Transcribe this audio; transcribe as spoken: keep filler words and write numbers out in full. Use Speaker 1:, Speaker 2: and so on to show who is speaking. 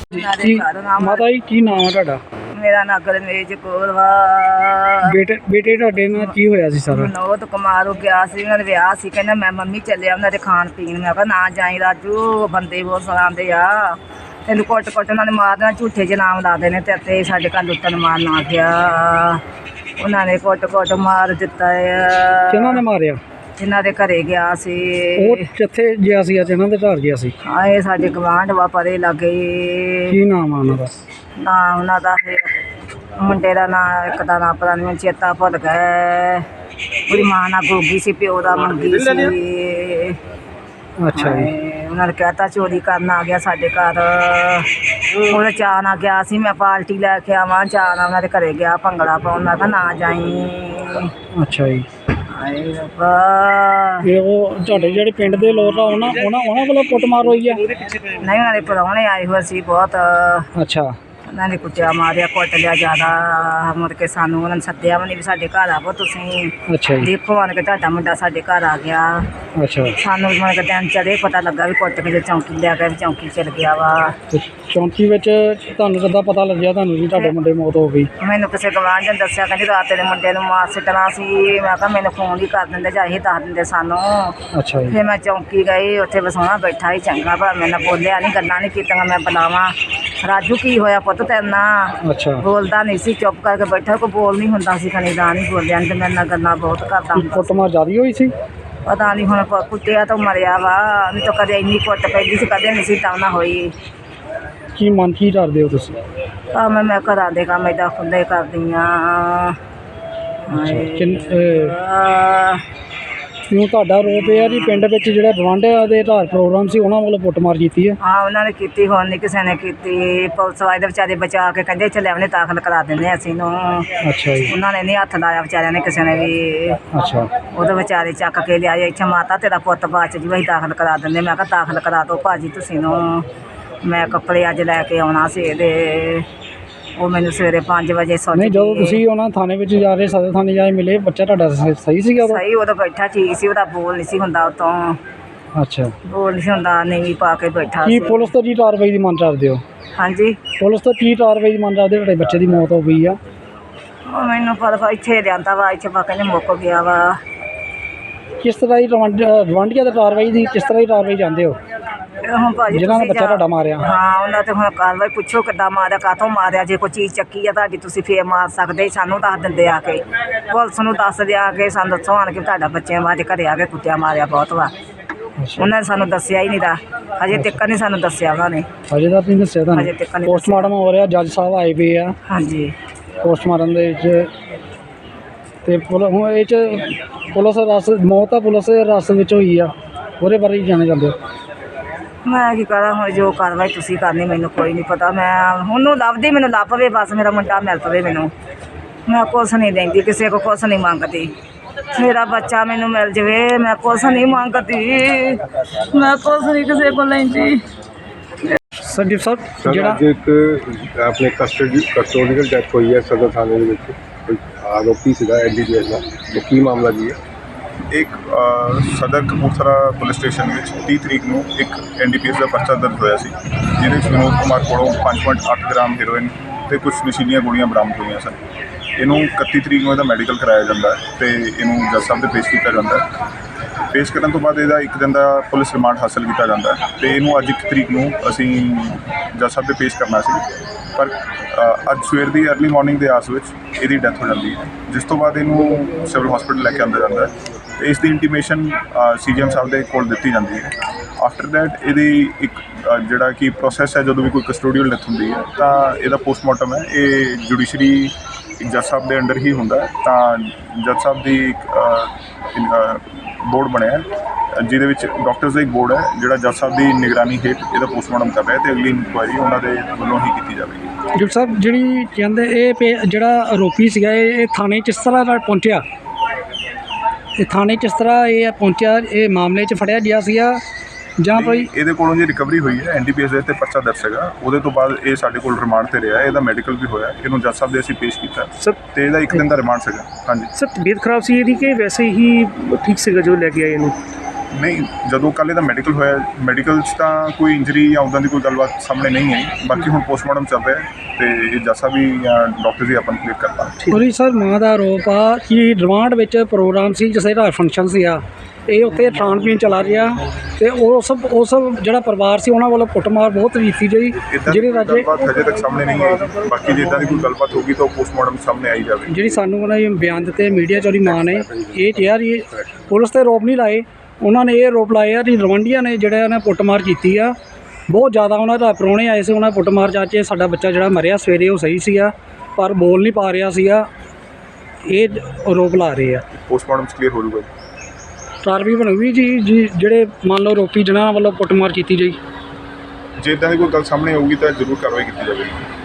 Speaker 1: ਕੀ ਮਾਤਾ ਜੀ ਕੀ ਨਾਮ ਹੈ ਤੁਹਾਡਾ?
Speaker 2: ਮੇਰਾ ਨਾਂ ਗੁਰਮੇਜ ਕੌਰ ਵਾ।
Speaker 1: ਬੇਟੇ ਬੇਟੇ ਤੁਹਾਡੇ ਨਾਲ ਕੀ ਹੋਇਆ ਸੀ ਸਾਰਾ?
Speaker 2: ਨੌਤ ਕੁਮਾਰ ਹੋ ਗਿਆ ਸੀ, ਉਹਨਾਂ ਦੇ ਵਿਆਹ ਸੀ। ਕਹਿੰਦਾ ਮੈਂ ਮੰਮੀ ਚੱਲਿਆ ਉਹਨਾਂ ਦੇ ਖਾਣ ਪੀਣ। ਮੈਂ ਕਿਹਾ ਨਾ ਜਾਈ ਰਾਜੂ, ਬੰਦੇ ਬਹੁਤ ਸਲਾਉਂਦੇ ਆ, ਤੈਨੂੰ ਕੁੱਟ ਕੁੱਟ ਉਹਨਾਂ ਨੇ ਮਾਰ ਦੇਣਾ, ਝੂਠੇ ਜਿਹੇ ਨਾਮ ਲਾ ਦੇਣੇ ਤੇ ਤੇ ਸਾਡੇ ਘਰ ਲੁੱਟਣ ਮਾਰਨ ਆ ਗਿਆ। ਉਹਨਾਂ ਨੇ ਕੁੱਟ ਕੁੱਟ ਮਾਰ ਦਿੱਤਾ ਆ।
Speaker 1: ਕਿਹਨਾਂ ਨੇ ਮਾਰਿਆ?
Speaker 2: ਜਿਨ੍ਹਾਂ ਦੇ ਘਰੇ ਗਿਆ ਸੀ।
Speaker 1: ਉਹ ਕਿੱਥੇ ਗਿਆ ਸੀ? ਅੱਜ ਇਹਨਾਂ ਦੇ ਘਰ ਗਿਆ ਸੀ।
Speaker 2: ਹਾਂ, ਇਹ ਸਾਡੇ ਗਵਾਂਢ ਵਾ, ਪਰੇ ਲੱਗੇ।
Speaker 1: ਕੀ ਨਾਮ ਆ ਉਹਨਾਂ ਦਾ?
Speaker 2: ਨਾ ਉਹਨਾਂ ਦਾ ਮੁੰਡੇ ਦਾ ਨਾਂ, ਇੱਕ ਦਾ ਨਾਂ ਪਤਾ ਨਹੀਂ ਚੇਤਾ ਭੁੱਲ ਗਿਆ। ਉਹਦੀ ਮਾਂ ਨਾਲ ਗੋਗੀ ਸੀ, ਪਿਓ ਦਾ ਮੰਗੀ ਸੀ।
Speaker 1: ਅੱਛਾ ਜੀ।
Speaker 2: ਉਹਨਾਂ ਨੇ ਕਹਿਤਾ ਚੋਰੀ ਕਰਨ ਆ ਗਿਆ ਸਾਡੇ ਘਰ। ਉਹਦੇ ਚਾਅ ਨਾਲ ਗਿਆ ਸੀ, ਮੈਂ ਪਾਰਟੀ ਲੈ ਕੇ ਆਵਾਂ, ਚਾਅ ਨਾਲ ਉਹਨਾਂ ਦੇ ਘਰੇ ਗਿਆ ਭੰਗੜਾ ਪਾਉਣ। ਮੈਂ ਕਿਹਾ ਨਾ ਜਾਈ।
Speaker 1: ਅੱਛਾ ਜੀ।
Speaker 2: ਹਾਏ ਰੱਬਾ।
Speaker 1: ਇਹ ਉਹ ਤੁਹਾਡੇ ਜਿਹੜੇ ਪਿੰਡ ਦੇ ਲੋਕ ਆ ਉਹਨਾਂ ਉਹਨਾਂ ਉਹਨਾਂ ਵੱਲੋਂ ਕੁੱਟਮਾਰ ਹੋਈ ਆ?
Speaker 2: ਨਹੀਂ, ਉਹਨਾਂ ਦੇ ਪ੍ਰਾਹੁਣੇ ਆਏ ਹੋਏ ਸੀ ਬਹੁਤ।
Speaker 1: ਅੱਛਾ।
Speaker 2: ਉਹਨਾਂ ਨੇ ਕੁੱਟਿਆ ਮਾਰਿਆ, ਕੁੱਟ ਲਿਆ ਜ਼ਿਆਦਾ। ਮੁੜ ਕੇ ਸਾਨੂੰ ਉਹਨਾਂ ਨੇ ਸੱਦਿਆ ਵੀ ਨਹੀਂ ਵੀ ਸਾਡੇ ਘਰ ਆਵੋ ਤੁਸੀਂ,
Speaker 1: ਅੱਛਾ ਜੀ।
Speaker 2: ਦੇਖੋ ਆਣ ਕੇ ਤੁਹਾਡਾ ਮੁੰਡਾ ਸਾਡੇ ਘਰ ਆ ਗਿਆ।
Speaker 1: ਅੱਛਾ।
Speaker 2: ਸਾਨੂੰ ਮੁੜ ਕੇ ਦਿਨ ਚੜ੍ਹੇ ਪਤਾ ਲੱਗਾ ਵੀ ਕੁੱਟ ਕੇ ਚੌਂਕੀ ਲੈ ਕੇ ਵੀ ਚੌਂਕੀ ਚਲ ਗਿਆ ਵਾ।
Speaker 1: ਤੇ ਚੌਂਕੀ ਵਿੱਚ ਤੁਹਾਨੂੰ ਕਿੱਦਾਂ ਪਤਾ ਲੱਗਿਆ ਤੁਹਾਨੂੰ ਵੀ ਤੁਹਾਡੇ ਮੁੰਡੇ ਮੌਤ ਹੋ ਗਈ?
Speaker 2: ਮੈਨੂੰ ਕਿਸੇ ਗਵਾਂਢ ਨੇ ਦੱਸਿਆ, ਕਹਿੰਦੀ ਰਾਤ ਦੇ ਮੁੰਡੇ ਨੂੰ ਮਾਰ ਸਿੱਟਣਾ ਸੀ। ਮੈਂ ਕਿਹਾ ਮੈਨੂੰ ਫੋਨ ਹੀ ਕਰ ਦਿੰਦੇ ਜਾਂ ਇਹ ਦੱਸ ਦਿੰਦੇ ਸਾਨੂੰ।
Speaker 1: ਅੱਛਾ ਜੀ।
Speaker 2: ਫਿਰ ਮੈਂ ਚੌਂਕੀ ਗਈ, ਉੱਥੇ ਵਸਾਉਣਾ ਬੈਠਾ ਹੀ ਚੰਗਾ ਭਲਾ, ਮੇਰੇ ਨਾਲ ਬੋਲਿਆ ਨਹੀਂ, ਗੱਲਾਂ ਨਹੀਂ ਕੀਤੀਆਂ। ਮੈਂ ਬੁਲਾਵਾਂ ਰਾਜੂ ਕੀ ਹੋਇਆ ਪੁੱਤ ਤੇਰੇ ਨਾਲ?
Speaker 1: ਅੱਛਾ।
Speaker 2: ਬੋਲਦਾ ਨਹੀਂ ਸੀ, ਚੁੱਪ ਕਰਕੇ ਬੈਠਾ, ਕੋਈ ਬੋਲ ਨਹੀਂ ਹੁੰਦਾ ਸੀ। ਖਣੀ ਦਾ ਨਹੀਂ ਬੋਲਿਆ, ਨਹੀਂ ਤੇ ਮੇਰੇ ਨਾਲ ਗੱਲਾਂ ਬਹੁਤ ਕਰਦਾ ਹੁੰਦਾ।
Speaker 1: ਕੁੱਟਮਾਰ ਜ਼ਿਆਦਾ ਹੋਈ ਸੀ?
Speaker 2: ਪਤਾ ਨਹੀਂ ਹੁਣ ਕੁੱਟਿਆ ਤਾਂ ਮਰਿਆ ਵਾ, ਨਹੀਂ ਤਾਂ ਕਦੇ ਇੰਨੀ ਕੁੱਟ ਪੈਂਦੀ ਸੀ, ਕਦੇ ਨਹੀਂ ਸੀ ਤਾਂ ਨਾ ਹੋਈ।
Speaker 1: ਕੀ ਮਨ ਕੀ ਕਰਦੇ ਹੋ ਤੁਸੀਂ?
Speaker 2: ਕੰਮ ਮੈਂ ਘਰਾਂ ਦੇ ਕੰਮ ਏਦਾਂ ਖੁੱਲ੍ਹੇ ਕਰਦੀ ਹਾਂ।
Speaker 1: ਕਿਉਂ ਤੁਹਾਡਾ ਰੋਪ ਇਹ ਆ ਜੀ ਪਿੰਡ ਵਿੱਚ ਜਿਹੜਾ ਗਵਾਂਢੀਆਂ ਦੇ ਘਰ ਪ੍ਰੋਗਰਾਮ ਸੀ ਉਹਨਾਂ ਵੱਲੋਂ ਕੁੱਟਮਾਰ ਕੀਤੀ ਹੈ?
Speaker 2: ਹਾਂ, ਉਹਨਾਂ ਨੇ ਕੀਤੀ, ਹੁਣ ਨਹੀਂ ਕਿਸੇ ਨੇ ਕੀਤੀ। ਪੁਲਿਸ ਵਾਲੇ ਦੇ ਵਿਚਾਰੇ ਬਚਾ ਕੇ ਕਹਿੰਦੇ ਚੱਲੇ ਉਹਨੇ ਦਾਖਲ ਕਰਾ ਦਿੰਦੇ ਅਸੀਂ ਨੂੰ।
Speaker 1: ਅੱਛਾ ਜੀ।
Speaker 2: ਉਹਨਾਂ ਨੇ ਨਹੀਂ ਹੱਥ ਲਾਇਆ ਵਿਚਾਰਿਆਂ ਨੇ, ਕਿਸੇ ਨੇ ਵੀ।
Speaker 1: ਅੱਛਾ।
Speaker 2: ਉਹਦੇ ਵਿਚਾਰੇ ਚੱਕ ਕੇ ਲਿਆਏ ਇੱਥੇ, ਮਾਤਾ ਤੇਰਾ ਪੁੱਤ ਬਾਅਦ 'ਚ ਜੀ ਅਸੀਂ ਦਾਖਲ ਕਰਾ ਦਿੰਦੇ। ਮੈਂ ਕਿਹਾ ਦਾਖਲ ਕਰਾ ਦਿਓ ਭਾਜੀ ਤੁਸੀਂ ਨੂੰ, ਮੈਂ ਕੱਪੜੇ ਅੱਜ ਲੈ ਕੇ ਆਉਣਾ ਸੀ ਇਹਦੇ। ਉਹ ਮੈਨੂੰ ਸਵੇਰੇ ਪੰਜ ਵਜੇ ਸੋਚ
Speaker 1: ਨਹੀਂ, ਜਦੋਂ ਤੁਸੀਂ ਉਹਨਾਂ ਥਾਣੇ ਵਿੱਚ ਜਾ ਰਹੇ, ਸਦਰ ਥਾਣੇ ਜਾ ਕੇ ਮਿਲੇ, ਬੱਚਾ ਤੁਹਾਡਾ ਸਹੀ ਸੀਗਾ?
Speaker 2: ਸਹੀ, ਉਦੋਂ ਬੈਠਾ ਠੀਕ ਸੀ, ਉਹਦਾ ਬੋਲ ਨਹੀਂ ਸੀ ਹੁੰਦਾ ਉਤੋਂ।
Speaker 1: ਅੱਛਾ।
Speaker 2: ਬੋਲ ਨਹੀਂ ਸੀ ਹੁੰਦਾ, ਨਹੀਂ ਪਾ ਕੇ ਬੈਠਾ
Speaker 1: ਕੀ
Speaker 2: ਸੀ।
Speaker 1: ਪੁਲਿਸ ਤੋਂ ਕੀ ਕਾਰਵਾਈ ਦੀ ਮੰਗ ਕਰਦੇ ਹੋ?
Speaker 2: ਹਾਂਜੀ।
Speaker 1: ਪੁਲਿਸ ਤੋਂ ਕੀ ਕਾਰਵਾਈ ਦੀ ਮੰਗ ਕਰਦੇ ਹੋ? ਤੁਹਾਡੇ ਬੱਚੇ ਦੀ ਮੌਤ ਹੋ ਗਈ ਆ।
Speaker 2: ਉਹ ਮੈਨੂੰ ਪਤਾ ਇੱਥੇ ਲਿਆਂਦਾ ਵਾ, ਇੱਥੇ ਪਾ ਕਹਿੰਦੇ ਮੁੱਕ ਗਿਆ ਵਾ।
Speaker 1: ਕਿਸ ਤਰ੍ਹਾਂ ਦੀ ਗਵਾਂਢੀਆਂ ਦੀ ਕਾਰਵਾਈ ਦੀ ਕਿਸ ਤਰ੍ਹਾਂ ਦੀ ਕਾਰਵਾਈ ਚਾਹੁੰਦੇ ਹੋ?
Speaker 2: ਹੁਣ ਭਾਜੀ
Speaker 1: ਜਿਹਨਾਂ ਨੇ ਬੱਚਾ ਤੁਹਾਡਾ ਮਾਰਿਆ?
Speaker 2: ਹਾਂ, ਉਹਨਾਂ ਤੇ ਹੁਣ ਕਾਰਵਾਈ ਪੁੱਛੋ ਕਿੱਦਾਂ ਮਾਰਿਆ, ਕਾਹਤੋਂ ਮਾਰਿਆ। ਜੇ ਕੋਈ ਚੀਜ਼ ਚੱਕੀ ਆ ਤੁਹਾਡੀ ਤੁਸੀਂ ਫੇਰ ਮਾਰ ਸਕਦੇ, ਸਾਨੂੰ ਦੱਸ ਦਿੰਦੇ ਆ ਕੇ, ਪੁਲਿਸ ਨੂੰ ਦੱਸ ਦਿਆ ਕੇ ਸਾਨੂੰ ਦੱਸੋ ਆਣ ਕੇ ਤੁਹਾਡਾ ਬੱਚਿਆਂ ਬਾਅਦ ਘਰੇ ਆ ਕੇ ਕੁੱਟਿਆ ਮਾਰਿਆ ਬਹੁਤ ਵਾ। ਉਹਨਾਂ ਨੇ ਸਾਨੂੰ ਦੱਸਿਆ ਹੀ ਨਹੀਂ ਦਾ, ਹਜੇ ਤੱਕ ਨਹੀਂ ਸਾਨੂੰ ਦੱਸਿਆ ਉਹਨਾਂ ਨੇ।
Speaker 1: ਹਜੇ ਤੱਕ ਨਹੀਂ ਦੱਸਿਆ ਤੁਹਾਨੂੰ?
Speaker 2: ਹਜੇ ਤੱਕ ਨਹੀਂ।
Speaker 1: ਪੋਸਟਮਾਰਟਮ ਹੋ ਰਿਹਾ, ਜੱਜ ਸਾਹਿਬ ਆਏ ਪਏ ਆ।
Speaker 2: ਹਾਂਜੀ।
Speaker 1: ਪੋਸਟਮਾਰਟਮ ਦੇ ਵਿੱਚ ਤੇ ਹੁਣ ਇਹ 'ਚ ਪੁਲਿਸ ਰਸ ਮੌਤ ਆ ਪੁਲਿਸ ਦੇ ਰਸ ਵਿੱਚ ਹੋਈ ਆ, ਉਹਦੇ ਬਾਰੇ ਹੀ ਜਾਣੇ ਜਾਂਦੇ?
Speaker 2: ਮੈਂ ਕੀ ਕਰਾਂ ਹੁਣ, ਜੋ ਕਾਰਵਾਈ ਤੁਸੀਂ ਕਰਨੀ ਮੈਨੂੰ ਕੋਈ ਨਹੀਂ ਪਤਾ। ਮੈਂ ਉਹਨੂੰ ਲੱਭਦੀ, ਮੈਨੂੰ ਲੱਭ ਪਵੇ ਬਸ, ਮੇਰਾ ਮੁੰਡਾ ਮਿਲ ਪਵੇ ਮੈਨੂੰ। ਮੈਂ ਕੁਛ ਨਹੀਂ ਲੈਂਦੀ, ਕਿਸੇ ਕੋ ਕੁਛ ਨਹੀਂ ਮੰਗਦੀ। ਮੇਰਾ ਬੱਚਾ ਮੈਨੂੰ ਮਿਲ ਜਾਵੇ, ਮੈਂ ਕੁਛ ਨਹੀਂ ਮੰਗਦੀ, ਮੈਂ ਕੁਛ ਨਹੀਂ ਕਿਸੇ ਕੋਲ ਲੈਂਦੀ।
Speaker 1: ਸੰਦੀਪ ਸਾਹਿਬ, ਜਿਹੜਾ
Speaker 3: ਅੱਜ ਇੱਕ ਆਪਣੇ ਕਸਟਡੀ ਕਸਟੋਡੀਅਲ ਡੈਥ ਹੋਈ ਹੈ ਸਦਰ ਥਾਣੇ ਦੇ ਵਿੱਚ, ਕੋਈ ਆਰੋਪੀ ਸੀਗਾ ਐਨ ਡੀ ਪੀ ਐਸ ਦਾ, ਉਹ ਕੀ ਮਾਮਲਾ ਜੀ ਹੈ?
Speaker 4: ਇੱਕ ਸਦਰ ਕਪੂਰਥਲਾ ਪੁਲਿਸ ਸਟੇਸ਼ਨ ਵਿੱਚ ਤੀਹ ਤਰੀਕ ਨੂੰ ਇੱਕ ਐਨ ਡੀ ਪੀ ਐਸ ਦਾ ਪਰਚਾ ਦਰਜ ਹੋਇਆ ਸੀ, ਜਿਹਦੇ ਵਿੱਚ ਵਿਨੋਦ ਕੁਮਾਰ ਕੋਲੋਂ ਪੰਜ ਪੁਆਇੰਟ ਅੱਠ ਗ੍ਰਾਮ ਹੈਰੋਇਨ ਅਤੇ ਕੁਛ ਨਸ਼ੀਲੀਆਂ ਗੋਲੀਆਂ ਬਰਾਮਦ ਹੋਈਆਂ ਸਨ। ਇਹਨੂੰ ਇਕੱਤੀ ਤਰੀਕ ਨੂੰ ਇਹਦਾ ਮੈਡੀਕਲ ਕਰਾਇਆ ਜਾਂਦਾ ਹੈ ਅਤੇ ਇਹਨੂੰ ਜੱਜ ਸਾਹਿਬ ਦੇ ਪੇਸ਼ ਕੀਤਾ ਜਾਂਦਾ ਹੈ। ਪੇਸ਼ ਕਰਨ ਤੋਂ ਬਾਅਦ ਇਹਦਾ ਇੱਕ ਦਿਨ ਦਾ ਪੁਲਿਸ ਰਿਮਾਂਡ ਹਾਸਲ ਕੀਤਾ ਜਾਂਦਾ ਹੈ ਅਤੇ ਇਹਨੂੰ ਅੱਜ ਇੱਕ ਤਰੀਕ ਨੂੰ ਅਸੀਂ ਜੱਜ ਸਾਹਿਬ ਦੇ ਪੇਸ਼ ਕਰਨਾ ਸੀ, ਪਰ ਅੱਜ ਸਵੇਰ ਦੀ ਅਰਲੀ ਮਾਰਨਿੰਗ ਦੇ ਆਸ ਵਿੱਚ ਇਹਦੀ ਡੈਥ ਹੋ ਜਾਂਦੀ ਹੈ, ਜਿਸ ਤੋਂ ਬਾਅਦ ਇਹਨੂੰ ਸਿਵਲ ਹਸਪੀਟਲ ਲੈ ਕੇ ਆਉਂਦਾ ਜਾਂਦਾ ਹੈ ਅਤੇ ਇਸ ਦੀ ਇੰਟੀਮੇਸ਼ਨ ਸੀ ਜੀ ਐਮ ਸਾਹਿਬ ਦੇ ਕੋਲ ਦਿੱਤੀ ਜਾਂਦੀ ਹੈ। ਆਫਟਰ ਦੈਟ ਇਹਦੀ ਇੱਕ ਜਿਹੜਾ ਕਿ ਪ੍ਰੋਸੈਸ ਹੈ, ਜਦੋਂ ਵੀ ਕੋਈ ਕਸਟੋਡੀਅਲ ਡੈਥ ਹੁੰਦੀ ਹੈ ਤਾਂ ਇਹਦਾ ਪੋਸਟਮਾਰਟਮ ਹੈ, ਇਹ ਜੁਡੀਸ਼ਰੀ ਜੱਜ ਸਾਹਿਬ ਦੇ ਅੰਡਰ ਹੀ ਹੁੰਦਾ ਹੈ। ਤਾਂ ਜੱਜ ਸਾਹਿਬ ਦੀ ਇੱਕ ਬੋਰਡ ਬਣਿਆ, ਜਿਹਦੇ ਵਿੱਚ ਡਾਕਟਰਸ ਦਾ ਇੱਕ ਬੋਰਡ ਹੈ ਜਿਹੜਾ ਜੱਜ ਸਾਹਿਬ ਦੀ ਨਿਗਰਾਨੀ ਹੇਠ ਇਹਦਾ ਪੋਸਟਮਾਰਟਮ ਕਰ ਰਿਹਾ ਅਤੇ ਅਗਲੀ ਇਨਕੁਆਇਰੀ ਉਹਨਾਂ ਦੇ ਵੱਲੋਂ ਹੀ ਕੀਤੀ ਜਾਵੇਗੀ।
Speaker 1: ਡਾਕਟਰ ਸਾਹਿਬ, ਜਿਹੜੀ ਕਹਿੰਦੇ ਇਹ ਪੇ ਜਿਹੜਾ ਆਰੋਪੀ ਸੀਗਾ ਇਹ ਥਾਣੇ 'ਚ ਕਿਸ ਤਰ੍ਹਾਂ ਨਾਲ ਪਹੁੰਚਿਆ? ਇਹ ਥਾਣੇ 'ਚ ਇਸ ਤਰ੍ਹਾਂ ਇਹ ਪਹੁੰਚਿਆ, ਇਹ ਮਾਮਲੇ 'ਚ ਫੜਿਆ ਗਿਆ ਸੀਗਾ ਜਾਂ ਕੋਈ?
Speaker 4: ਇਹਦੇ ਕੋਲੋਂ ਜੀ ਰਿਕਵਰੀ ਹੋਈ ਹੈ, ਐਨ ਡੀ ਪੀ ਐਸ ਦੇ ਉੱਤੇ ਪਰਚਾ ਦਰਜ ਸੀਗਾ, ਉਹਦੇ ਤੋਂ ਬਾਅਦ ਇਹ ਸਾਡੇ ਕੋਲ ਰਿਮਾਂਡ 'ਤੇ ਰਿਹਾ, ਇਹਦਾ ਮੈਡੀਕਲ ਵੀ ਹੋਇਆ, ਇਹਨੂੰ ਜੱਜ ਸਾਹਿਬ ਦੇ ਅਸੀਂ ਪੇਸ਼ ਕੀਤਾ ਸਰ, ਅਤੇ ਇਹਦਾ ਇੱਕ ਦਿਨ ਦਾ ਰਿਮਾਂਡ ਸੀਗਾ। ਹਾਂਜੀ
Speaker 5: ਸਰ, ਤਬੀਅਤ ਖਰਾਬ ਸੀ ਇਹਦੀ ਕਿ ਵੈਸੇ ਹੀ ਠੀਕ ਸੀਗਾ ਜੋ ਲੈ ਕੇ ਆਏ ਇਹਨੂੰ?
Speaker 4: ਨਹੀਂ, ਜਦੋਂ ਕੱਲ੍ਹ ਇਹਦਾ ਮੈਡੀਕਲ ਹੋਇਆ, ਮੈਡੀਕਲ 'ਚ ਤਾਂ ਕੋਈ ਇੰਜਰੀ ਜਾਂ ਉੱਦਾਂ ਦੀ ਕੋਈ ਗੱਲਬਾਤ ਸਾਹਮਣੇ ਨਹੀਂ ਆਈ। ਬਾਕੀ ਹੁਣ ਪੋਸਟਮਾਰਟਮ ਚੱਲ ਰਿਹਾ ਅਤੇ ਇਹ ਜੱਜ ਸਾਹਿਬ ਵੀ ਜਾਂ ਡਾਕਟਰ ਵੀ ਆਪਾਂ ਨੂੰ ਕਲੀਅਰ ਕਰ ਪਾਉਣਗੇ।
Speaker 1: ਉਹਦੀ ਸਰ ਮਾਂ ਦਾ ਆਰੋਪ ਆ ਕਿ ਰਿਮਾਂਡ ਵਿੱਚ ਪ੍ਰੋਗਰਾਮ ਸੀ, ਜਿਸ ਦਾ ਫੰਕਸ਼ਨ ਸੀਗਾ, ਇਹ ਉੱਥੇ ਖਾਣ ਪੀਣ ਚਲਾ ਰਿਹਾ ਅਤੇ ਉਸ ਉਸ ਜਿਹੜਾ ਪਰਿਵਾਰ ਸੀ ਉਹਨਾਂ ਵੱਲੋਂ ਕੁੱਟਮਾਰ ਬਹੁਤ ਕੀਤੀ ਗਈ,
Speaker 4: ਇੱਦਾਂ
Speaker 1: ਜਿਹੜੀ
Speaker 4: ਦੀ
Speaker 1: ਰਾਜੇ
Speaker 4: ਗੱਲਬਾਤ ਹਜੇ ਤੱਕ ਸਾਹਮਣੇ ਨਹੀਂ ਆਈ। ਬਾਕੀ ਜੇ ਇੱਦਾਂ ਦੀ ਕੋਈ ਗੱਲਬਾਤ ਹੋਊਗੀ ਤਾਂ ਉਹ ਪੋਸਟਮਾਰਟਮ ਸਾਹਮਣੇ ਆਈ ਜਾਵੇ।
Speaker 1: ਜਿਹੜੀ ਸਾਨੂੰ ਉਹਨਾਂ ਦੇ ਬਿਆਨ ਦਿੱਤੇ ਮੀਡੀਆ 'ਚ ਉਹਦੀ ਮਾਂ ਨੇ ਇਹ ਕਿਹਾ ਜੀ, ਪੁਲਿਸ 'ਤੇ ਆਰੋਪ ਨਹੀਂ ਲਾਏ, ਉਹਨਾਂ ਨੇ ਇਹ ਆਰੋਪ ਲਾਏ ਆ ਕਿ ਰਵੰਡੀਆਂ ਨੇ ਜਿਹੜਾ ਉਹਨੇ ਕੁੱਟਮਾਰ ਕੀਤੀ ਆ ਬਹੁਤ ਜ਼ਿਆਦਾ। ਉਹਨਾਂ ਦਾ ਪ੍ਰਾਹੁਣੇ ਆਏ ਸੀ, ਉਹਨਾਂ ਕੁੱਟਮਾਰ ਜਾ ਕੇ ਸਾਡਾ ਬੱਚਾ ਜਿਹੜਾ ਮਰਿਆ ਸਵੇਰੇ ਉਹ ਸਹੀ ਸੀਗਾ ਪਰ ਬੋਲ ਨਹੀਂ ਪਾ ਰਿਹਾ ਸੀਗਾ, ਇਹ ਆਰੋਪ ਲਾ ਰਹੇ ਆ।
Speaker 4: ਪੋਸਟਮਾਰਟਮ ਕਲੀਅਰ ਹੋ ਜਾਊਗਾ।
Speaker 1: ਕਾਰਵਾਈ ਬਣੂਗੀ ਜੀ ਜੀ ਜਿਹੜੇ ਮੰਨ ਲਓ ਆਰੋਪੀ ਜਿਨ੍ਹਾਂ ਵੱਲੋਂ ਕੁੱਟਮਾਰ ਕੀਤੀ ਗਈ।
Speaker 4: ਜੇ ਇੱਦਾਂ ਦੀ ਕੋਈ ਗੱਲ ਸਾਹਮਣੇ ਆਊਗੀ ਤਾਂ ਜ਼ਰੂਰ ਕਾਰਵਾਈ ਕੀਤੀ ਜਾਵੇਗੀ।